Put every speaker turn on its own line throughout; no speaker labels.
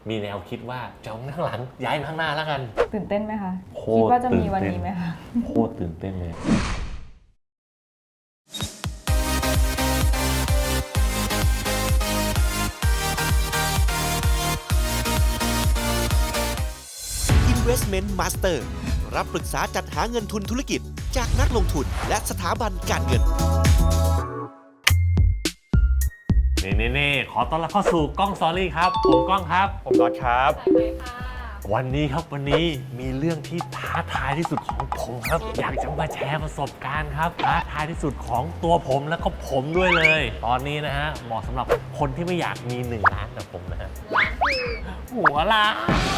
มีแนวคิดว่าจะเอาข้างหลังย้ายมาข้างหน้าแล้วกัน
ตื่นเต้นไหมคะ
โคตร
คิดว่าจะมีวันนี้ไหมคะ
โคตรตื่นเต้นเลย
Investment Master รับปรึกษาจัดหาเงินทุนธุรกิจจากนักลงทุนและสถาบันการเงิน
นี่ขอต้อนรับเข้าสู่กล้องสตอรี่ครับผมกล้องครับ
ผมน็อตครับ
วันนี้มีเรื่องที่ท้าทายที่สุดของผมครับอยากจะมาแชร์ประสบการณ์ครับท้าทายที่สุดของตัวผมแล้วก็ผมด้วยเลยตอนนี้นะฮะเหมาะสำหรับคนที่ไม่อยากมี1 ล้านกับผมนะฮะหัวล้าน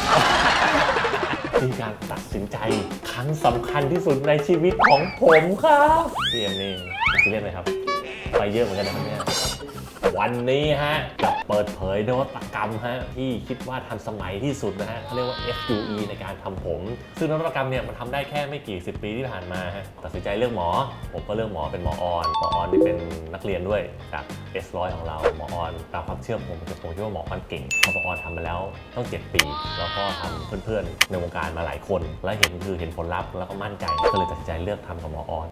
เป็นการตัดสินใจครั้งสำคัญที่สุดในชีวิตของผมครับพี่เอ็มนี่คิดเล่นไหมครับไปเยอะเหมือนกันนะครับเนี่ยวันนี้ฮะจะเปิดเผยนวัตกรรมฮะที่คิดว่าทันสมัยที่สุดนะฮะเขาเรียกว่า FUE ในการทำผมซึ่งนวัตกรรมเนี่ยมันทำได้แค่ไม่กี่10 ปีที่ผ่านมาฮะตัดสินใจเลือกหมอผมก็เลือกหมอเป็นหมอออนที่เป็นนักเรียนด้วยจาก S100 ของเราหมอออนตามความเชื่อผมคิดว่าหมอออนเก่งเพราะหมอออนทำมาแล้วต้อง7 ปีแล้วก็ทำเพื่อนๆในวงการมาหลายคนและเห็นผลลัพธ์แล้วก็มั่นใจก็เลยตัดสินใจเลือกทำกับหมอออน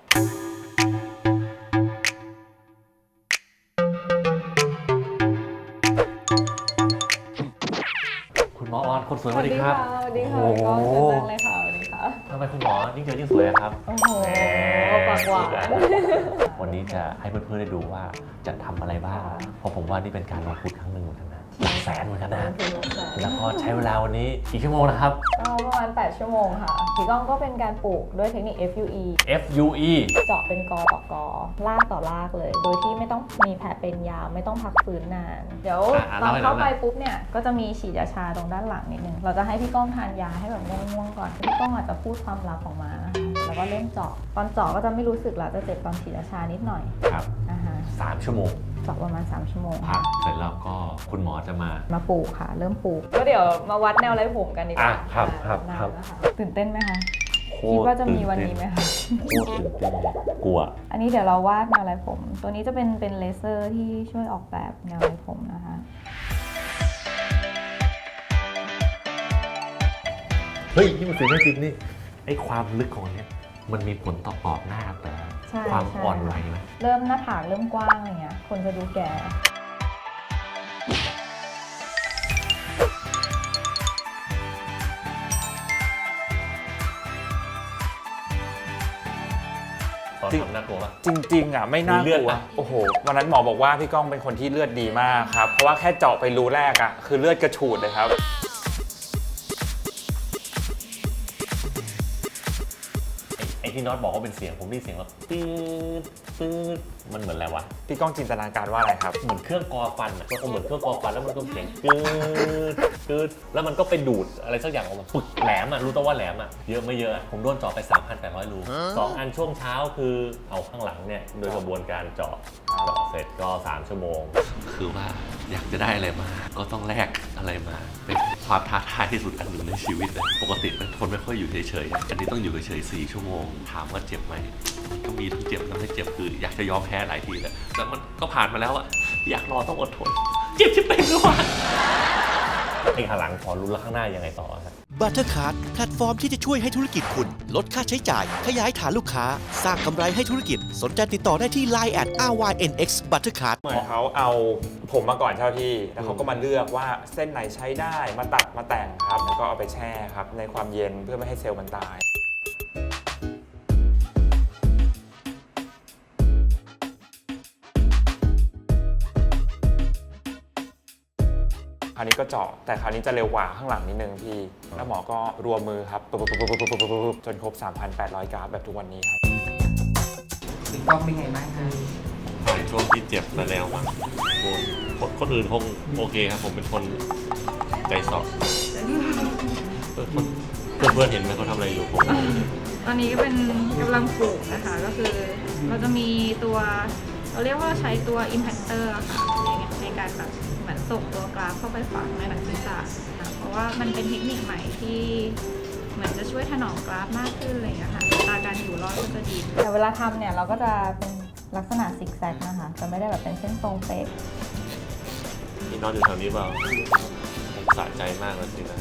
หมอออนคนสวยสวัสดีครับ
สวัสดีค่ะก็เชิญนั่งเลยค่ะสวัสดีค่ะ
ทำไมคุณหมอยิ่งเจอยิ่งสวยครับ
โอ้โหปากหวาน
วันนี้จะให้เพื่อนๆได้ดูว่าจะทำอะไรบ้างเพราะผมว่านี่เป็นการลงทุนครั้งหนึ่งเหมือนกันนะหลักแสนเหมือนกันนะแล้วก็ใช้เวลาวันนี้กี่ชั่วโมงนะครับ
ก็ประมาณ8 ชั่วโมงค่ะพี่ก้องก็เป็นการปลูกด้วยเทคนิค
FUE
เจาะเป็นกอต่อกอลากต่อลากเลยโดยที่ไม่ต้องมีแผลเป็นยาวไม่ต้องพักฟื้นนานเดี๋ยวตอนเข้าไปปุ๊บเนี่ยก็จะมีฉีดยาชาตรงด้านหลังนิดนึงเราจะให้พี่ก้องทานยาให้แบบง่วงๆก่อนพี่ก้องอาจจะพูดความลับออกมานะคะแล้วก็เริ่มเจาะตอนเจาะก็จะไม่รู้สึกแล้วจะเจ็บตอนฉีดยาชานิดหน่อย
ครับ3 ชั่วโมง
เจาะประมาณ3 ชั่วโมง
พักเสร็จแล้วก็คุณหมอจะมา
ปลูกค่ะเริ่มปลูกก็เดี๋ยวมาวัดแนวไร้ผมกันดีกว่า
ครับ
ตื่นเต้นไหมคะคิดว่าจะมีวันนี้ไหมคะ
โคตรตื่นเต้นกลัว
อันนี้เดี๋ยวเราวาดแนวไร้ผมตัวนี้จะเป็นเลเซอร์ที่ช่วยออกแบบแนวไร้ผมนะคะ
เฮ้ยนี่มันสื่อไม่จริงนี่ไอ้ความลึกของเนี้ยมันมีผลต่อกรอบหน้าแต่ความอ่อนไหวไหม
เริ่มหน้าผากเริ่มกว้างอะไรเงี้ยคนจะดูแก่
น่ากลัวป่ะ
จริงๆอ่ะไม่น่ากลัวโอ้โหวันนั้นหมอบอกว่าพี่ก้องเป็นคนที่เลือดดีมากครับเพราะว่าแค่เจาะไปรูแรกอ่ะคือเลือดกระฉูดเลยครับ
ไอ้ที่น็อตบอกว่าเป็นเสียงผมได้เสียงแบบปื๊ดมันเหมือนอะไรวะ
พี่ก้องจินตนาการว่าอะไรครับ
เหมือนเครื่องกอฟันอ่ะมันก็เหมือนเครื่องกอฟันแล้วมันก็เสียงกึดแล้วมันก็ไปดูดอะไรสักอย่างออกมาปึกแหลมอ่ะรู้ตัวว่าแหลมอ่ะเยอะไม่เยอะผมโดนเจาะไป 3,800 รู2 อันช่วงเช้าคือเอาข้างหลังเนี่ยโดยกระบวนการเจาะเสร็จก็3 ชั่วโมงคือว่าอยากจะได้อะไรมาก็ต้องแลกอะไรมาเป็นความท้าทายที่สุดอันหนึ่งในชีวิตเลยปกติเป็นคนไม่ค่อยอยู่เฉยๆอันนี้ต้องอยู่เฉยๆ4 ชั่วโมงถามว่าเจ็บไหมก็มีทั้งเจ็บทั้งไม่เจ็บคืออยากจะยอมแพ้หลายทีแล้วแต่มันก็ผ่านมาแล้วอะอยากรอต้องอดทนเจ็บที่เป็นด้วยไอ้ข้างหลังพอรู้แล้วข้างหน้ายังไงต่อครับ
Buttercard แพลตฟอร์มที่จะช่วยให้ธุรกิจคุณลดค่าใช้จ่ายขยายฐานลูกค้าสร้างกำไรให้ธุรกิจสนใจติดต่อได้ที่ Line @RYNX Buttercard
เหมือนเขาเอาผมมาก่อนเช่าที่แล้วเขาก็มาเลือกว่าเส้นไหนใช้ได้มาตัดมาแต่งครับแล้วก็เอาไปแช่ครับในความเย็นเพื่อไม่ให้เซลล์มันตายคราวนี้ก็เจาะแต่คราวนี้จะเร็วกว่าข้างหลังนิดนึงพี่แล้วหมอก็รัวมือครับจนครบ 3,800 กราฟแบบทุกวันนี้ครับ
พี่ก้องเป็นไงบ้างคะ
ผ่านช่วงที่เจ็บมาแล้วมั้งคนอื่นคงโอเคครับผมเป็นคนใจสอบเพื่อนเห็นไหมเขาทำอะไรอยู่ผม
ตอนนี้ก็เป็นกำลังปลูกนะคะก็คือเราจะมีตัวเราเรียกว่าใช้ตัว impactor ค่ะในการแบบเหมือนส่งตัวกราฟเข้าไปฝังในหนังศีรษะนะเพราะว่ามันเป็นเทคนิคใหม่ที่เหมือนจะช่วยถนอมกราฟมากขึ้นอะไรอย่างเงี้ยค่ะตาการอยู่รอดก็จะดีแต่เวลาทำเนี่ยเราก็จะเป็นลักษณะซิกแซกนะคะจะไม่ได้แบบเป็นเส้นตรงเป๊ะ
นี่นอนอยู่แถวนี้เปล่าสะใจมากเลยสินะ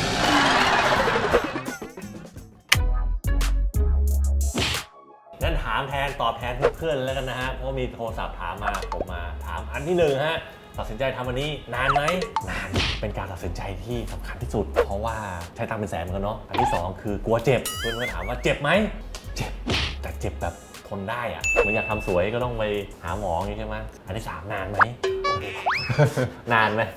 งั้นถามแทนตอบแทนเพื่อนๆแล้วกันนะฮะเพราะมีโทรศัพท์ถามมาผมมาถามอันที่หนึ่งฮะตัดสินใจทำอันนี้นานไหมนานเป็นการตัดสินใจที่สำคัญที่สุด เพราะว่าใช้ตังค์เป็นแสนเหมือนกันเนาะอันที่สองคือกลัวเจ็บเพื่อนก็ถามว่าเจ็บไหมเจ็บแต่เจ็บแบบทนได้อะเหมือนอยากทำสวยก็ต้องไปหาหมออย่างนี้ใช่ไหมอันที่สามนานไหม นานไหม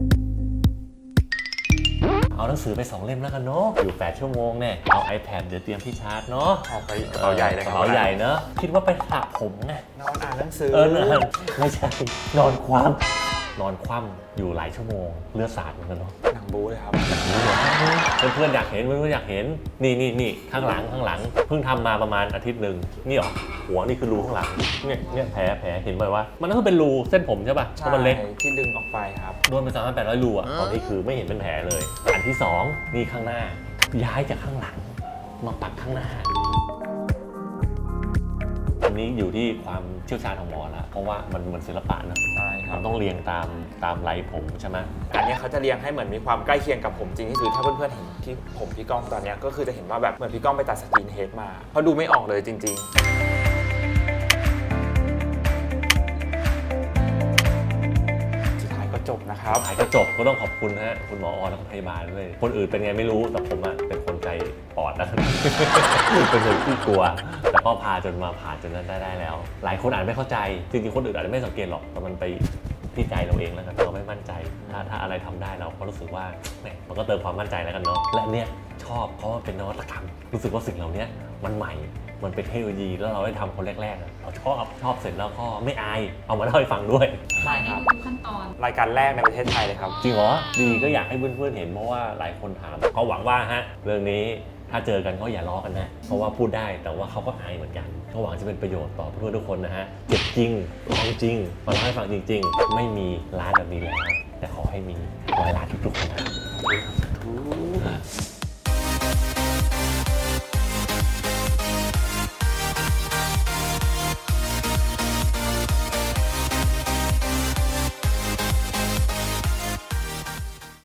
เอาหนังสือไป2เล่มแล้วกันเนาะอยู่8ชั่วโมงเนี่ยเอา iPad เดี๋ยวเตรียมที่ชาร์จเนาะ
เอาไปกระเป๋าใหญ่เลย
ก
ค
ระ
รับ
เป๋าใหญ่เนอะคิดว่าไปสระผมไง
นอนอ่านหนังสือ
ไม่ใช่นอนคว่ำอยู่หลายชั่วโมงเลือดสาดเหมือนกันเนาะ
หนังบู๊เลยครับ
เพื่อนๆอยากเห็นเพื่อนๆอยากเห็นนี่ข้างหลังเพิ่งทำมาประมาณอาทิตย์หนึ่งนี่หรอหัวนี่คือรูข้างหลังเนี่ยแผลเห็นไหมว่ามันก็คือเป็นรูเส้นผมใช่ป่ะเพราะมันเล็ก
ที่ดึงออกไปครับ
โดนไป3,800 รูอ่ะตอนนี้คือไม่เห็นเป็นแผลเลยอันที่2นี่ข้างหน้าย้ายจากข้างหลังมาปักข้างหน้าอันนี้อยู่ที่ความเชี่ยวชาญของหมอละเพราะว่ามันศิลปะนะ
ใช่ครั
มั
บ
นต้องเรียงตามไหลผมใช่ไหม
อันเนี้ยเขาจะเรียงให้เหมือนมีความใกล้เคียงกับผมจริงที่สุดถ้าเพื่อนๆเห็นที่ผมพี่ก้องตอนเนี้ยก็คือจะเห็นว่าแบบเหมือนพี่ก้องไปตัดสกินเฮดมาเพราะดูไม่ออกเลยจริง ๆ สุดท้ายก็จบนะครับ
หายก็จบก็ต้องขอบคุณนะฮะคุณหมอออนและพยาบาลด้วยคนอื่นเป็นไงไม่รู้แต่ผมอะเป็นคนใจปอดนะ เป็นคนที่กลัวแต่ก็พาจนมาผ่านจนนั้นได้แล้ว หลายคนอาจไม่เข้าใจจริงๆคนอื่นอาจจะไม่สังเกตหรอกแต่มันไปที่ใจเราเองแล้วกันเราไม่มั่นใจถ้าอะไรทำได้เราก็รู้สึกว่าแหมมันก็เติมความมั่นใจแล้วกันเนาะและเนี่ยชอบเพราะว่าเป็นนวัตกรรมรู้สึกว่าสิ่งเหล่านี้มันใหม่มันเป็นเทคโนโลยีแล้วเราได้ทำคนแรกๆอะเราชอบเสร็จแล้วก็ไม่อายเอามาเล่าให้ฟังด้วย
ใช่ในทุกขั้นตอน
รายการแรกในประเทศไทยเลยครับ
จริงเหรอ ดีก็อยากให้เพื่อนๆเห็นเพราะว่าหลายคนถามก็หวังว่าฮะเรื่องนี้ถ้าเจอกันก็อย่าล้อกันนะ เพราะว่าพูดได้แต่ว่าเขาก็อายเหมือนกันก็หวังจะเป็นประโยชน์ต่อเพื่อนๆทุกคนนะฮะเจ็บจริงลองจริงมาเล่าให้ฟังจริง ๆ ไม่มีร้านแบบนี้แล้วแต่ขอให้มี100 ล้านทุกๆคนนะ